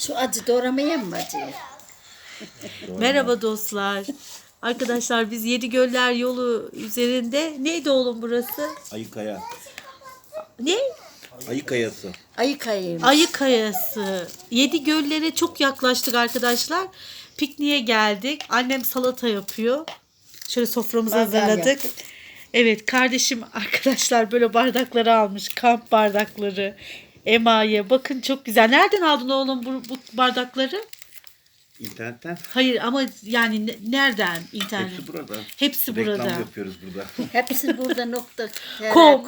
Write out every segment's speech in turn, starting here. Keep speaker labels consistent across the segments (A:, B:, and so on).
A: Şu acı doğramayayım mı acıyı?
B: Merhaba dostlar. Arkadaşlar biz Yedigöller yolu üzerinde. Neydi oğlum burası?
C: Ayıkaya.
B: Ne?
C: Ayıkayası.
A: Ayı kayayım.
B: Ayı Kayası. Yedigöllere çok yaklaştık arkadaşlar. Pikniğe geldik. Annem salata yapıyor. Şöyle soframızı
A: Mangal
B: hazırladık.
A: yaptık.
B: Evet, kardeşim arkadaşlar böyle bardakları almış. Kamp bardakları. Emaye. Bakın çok güzel. Nereden aldın oğlum bu bardakları?
C: İnternetten.
B: Hayır ama yani nereden? İnternet.
C: Hepsi burada.
B: Hepsi
C: Reklam
B: burada.
C: yapıyoruz burada.
A: Hepsi burada nokta.
B: Com.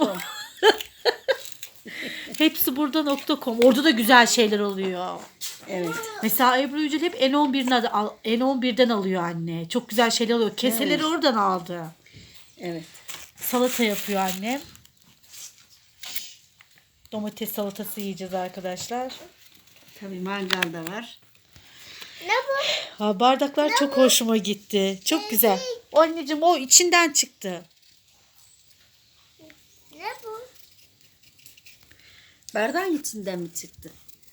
B: Hepsi burada.com. Orada da güzel şeyler oluyor.
A: Evet.
B: Mesela Ebru Yücel hep N11'den alıyor anne. Çok güzel şeyler oluyor. Keseleri
A: Evet.
B: oradan aldı.
A: Evet.
B: Salata yapıyor annem. Domates salatası yiyeceğiz arkadaşlar.
A: Tabii mangal da var.
B: Ha, bardaklar çok hoşuma gitti. Çok güzel. O anneciğim o içinden çıktı.
D: Ne bu?
A: Bardağın içinden mi çıktı?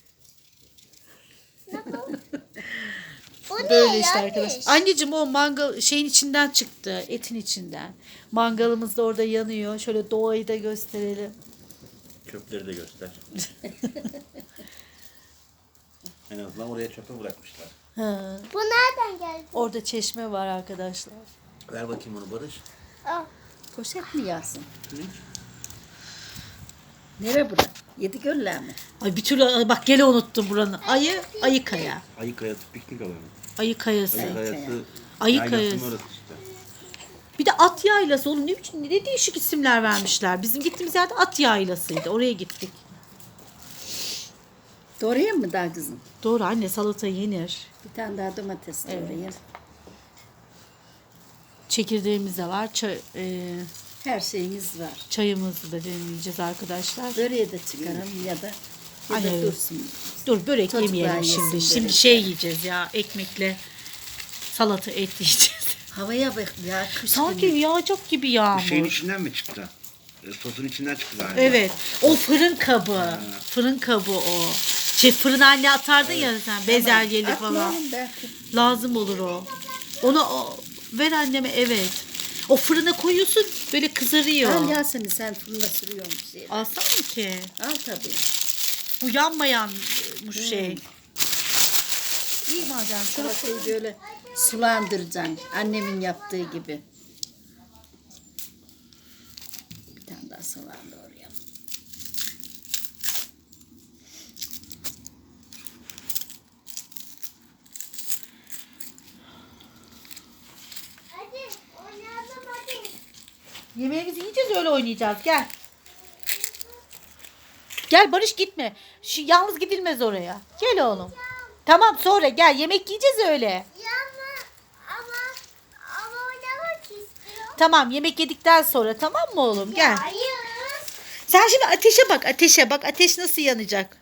D: Bu ne
B: Böyle işte
D: yani?
B: arkadaşlar. Anneciğim o mangal şeyin içinden çıktı. Etin içinden. Mangalımız da orada yanıyor. Şöyle doğayı da gösterelim.
C: Çöpleri de göster. En azından oraya çöpe bırakmışlar.
B: Ha.
D: Bu nereden geldi?
B: Orada çeşme var arkadaşlar.
C: Ver bakayım onu Barış.
D: Al.
A: Poşet mi yazsın?
C: Ne?
A: Nere bura? Yedigöller mi?
B: Ay bir türlü bak gene unuttum buranın. Ayı Kaya.
C: Ayıkayası piknik alanı.
B: Ayı Kayası.
C: Ayıkayası.
B: Ayı
C: yaylasının
B: Kayası.
C: orası işte.
B: Bir de at yaylası. Oğlum ne biçim ne değişik isimler vermişler. Bizim gittiğimiz yerde at yaylasıydı. Oraya gittik.
A: Doğrayayım mı daha kızım?
B: Doğru anne salata yenir.
A: Bir tane daha domates doğrayayım.
B: Çekirdeğimiz de var.
A: Her şeyimiz var.
B: Çayımızı da demleyeceğiz arkadaşlar.
A: Böreği de çıkaralım ya da
B: Aynen.
A: dursun.
B: Dur börek
A: Çocuklar
B: yemeyelim
A: yesin
B: şimdi.
A: börek.
B: Şimdi şey yiyeceğiz ya ekmekle salata et yiyeceğiz.
A: Havaya bak ya. Kış
B: Sanki
A: günü.
B: yağacak gibi
C: Şeyin
B: yağmur.
C: içinden mi çıktı? Sosun içinden çıktı galiba.
B: Evet. O fırın kabı. Fırın kabı o. Fırına anne atardın ya sen bezelyeli falan.
A: Atmayalım belki.
B: Lazım olur o. Onu ver anneme evet. O fırına koyuyorsun böyle kızarıyor.
A: Al Yasemin sen fırında sürüyormuş şeyi.
B: Alsam mı ki?
A: Al tabii.
B: Bu yanmayanmış şey. İyi madem.
A: Salatayı böyle sulandıracaksın. Annemin yaptığı gibi. Bir tane daha soğan doğrayalım.
D: Hadi oynayalım hadi.
B: Yemeğimizi yiyeceğiz öyle oynayacağız. Gel. Gel Barış gitme. Yalnız gidilmez oraya. Gel oğlum. Tamam sonra gel yemek yiyeceğiz öyle.
D: Ama oynamak istiyorum.
B: Tamam yemek yedikten sonra tamam mı oğlum? Gel.
D: Hayır.
B: Sen şimdi ateşe bak ateşe bak. Ateş nasıl yanacak?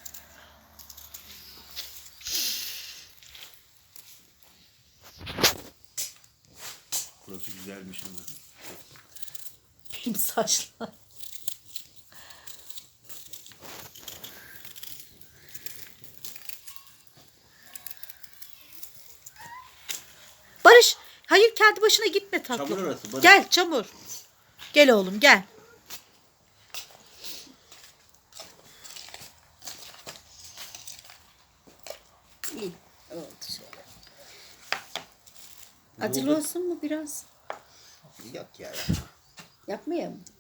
C: Burası güzelmiş ama.
B: Benim saçlar. Barış, hayır kendi başına gitme tatlım.
C: Çamur orası, Barış.
B: Gel çamur. Gel oğlum gel.
A: İyi oldu şöyle. Acılı olsun mu biraz?
C: Yok ya.
A: Yapmayayım mı?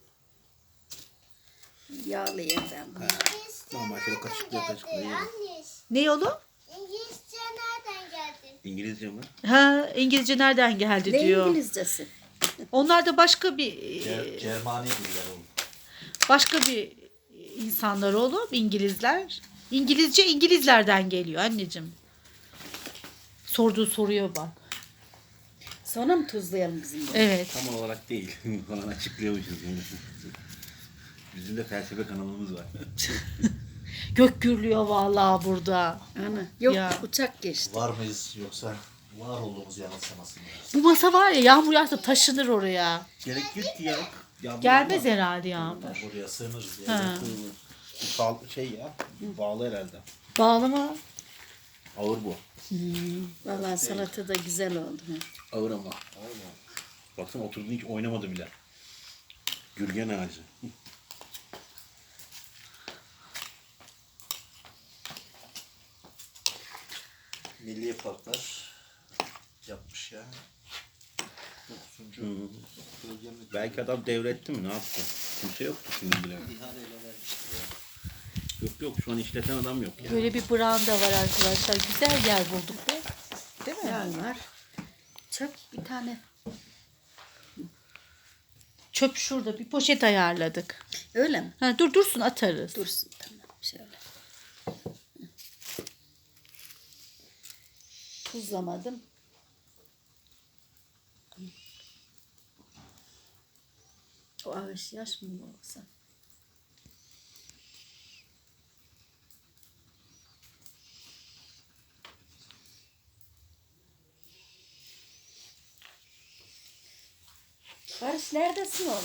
A: Yağlayayım ben bunu.
C: Normal şöyle kaşıkla yerim.
D: Yanlış.
B: Ne oğlum?
D: İngilizce nereden geldi?
C: İngilizce mi?
B: Ha İngilizce nereden geldi
A: Ne
B: diyor.
A: İngilizcesi?
B: Onlar da başka bir
C: Cermani diller oğlum.
B: başka bir insanlar oğlum İngilizler. İngilizce İngilizlerden geliyor anneciğim. Sorduğu soruya bak.
A: Sonra mı tuzlayalım kızım bunu?
B: Evet.
C: Tam olarak değil. Falan açıklıyormuşuz yani. Bizim de felsefe kanalımız var.
B: Gök gürlüyor vallahi burada.
A: Ana. Yok
B: Ya.
A: uçak geçti.
E: Var mıyız yoksa var olduğumuz yanılsamasın mı?
B: Bu masa var ya yağmur yağsa taşınır oraya.
C: Gerek yok ki ya. Yağmur
B: Gelmez
C: yağmaz.
B: herhalde yağmur.
E: Oraya sığınırız diye.
B: Ha.
C: Şey ya. Bağlı herhalde.
B: Bağlı mı?
C: Ağır bu.
A: Vallahi salata da güzel oldu.
C: Ağır ama. Baksana oturduğunda hiç oynamadı bile. Gürgen ağacı.
E: Milli parklar yapmış ya. 9. bölgemi
C: Belki adam devretti mi? Ne yaptı? Kimse yoktu şimdi bile.
E: ihaleyle vermiştir ya.
C: Yok şu an işleten adam yok ya.
B: Böyle bir branda var arkadaşlar. Güzel yer bulduk be. Değil mi?
A: Yağ var. Çöp bir tane.
B: Çöp şurada. Bir poşet ayarladık.
A: Öyle mi?
B: Ha, dursun atarız.
A: Dursun tamam. Şöyle. Tuzlamadım. O ağaç yaş mı olsa? Barış neredesin oğlum?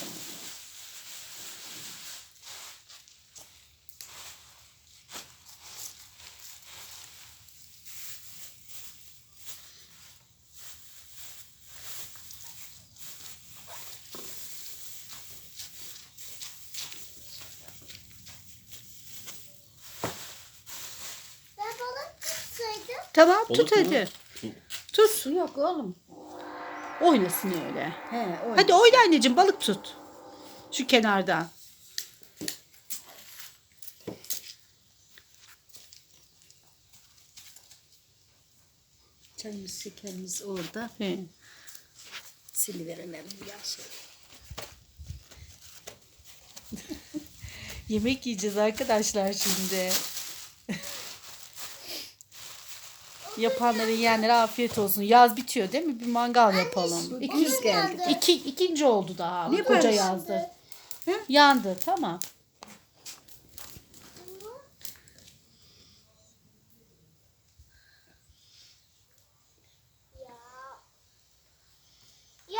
D: Ben balık tutsaydım.
B: Tamam
C: Olur
B: tut
C: mu?
B: hadi. Tut.
A: Su yok oğlum.
B: Oynasın öyle.
A: He, o.
B: Hadi oyna anneciğim balık tut. Şu kenardan.
A: Çayımız, şekerimiz orada.
B: He.
A: Siliverelim ya şey.
B: Yemek yiyeceğiz arkadaşlar şimdi. Yapanlara yiyenlere afiyet olsun. Yaz bitiyor değil mi? Bir mangal yapalım.
A: İkimiz geldik.
B: İkinci oldu daha.
A: Ne
B: Koca
A: barış?
B: yazdı. Yandı tamam.
D: Ya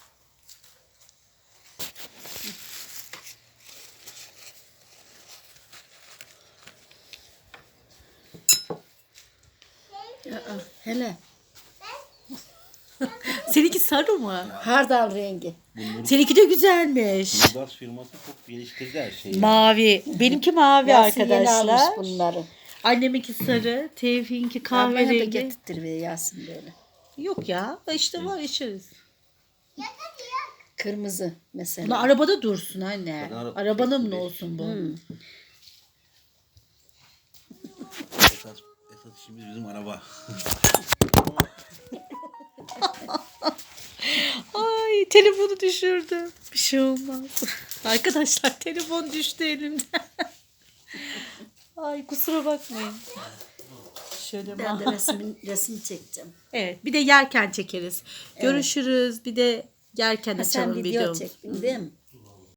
A: Aa, hele.
B: Seninki sarı mı?
A: Hardal rengi.
B: Seninki de güzelmiş.
C: Mubas firması çok geliştirdi her şeyi.
B: Mavi. Benimki mavi
A: Yasin yeni
B: arkadaşlar.
A: almış bunları.
B: Anneminki sarı, Tevfik'inki
A: Bana da
B: kahverengi.
A: getirtir ve Yasin böyle.
B: Yok ya, işte var içeriz.
A: Kırmızı mesela.
B: Bunu arabada dursun anne.
C: Zaten
B: Arabanın mı olsun bu?
C: Esas işimiz bizim araba.
B: Ay telefonu düşürdüm. Bir şey olmaz. Arkadaşlar telefon düştü elimden. Ay kusura bakmayın. Şöyle
A: Ben de resim çekeceğim.
B: Evet bir de yerken çekeriz. Görüşürüz. Bir de yerken
A: Ha, sen
B: açalım
A: video
B: videomuzu.
A: çektin değil mi?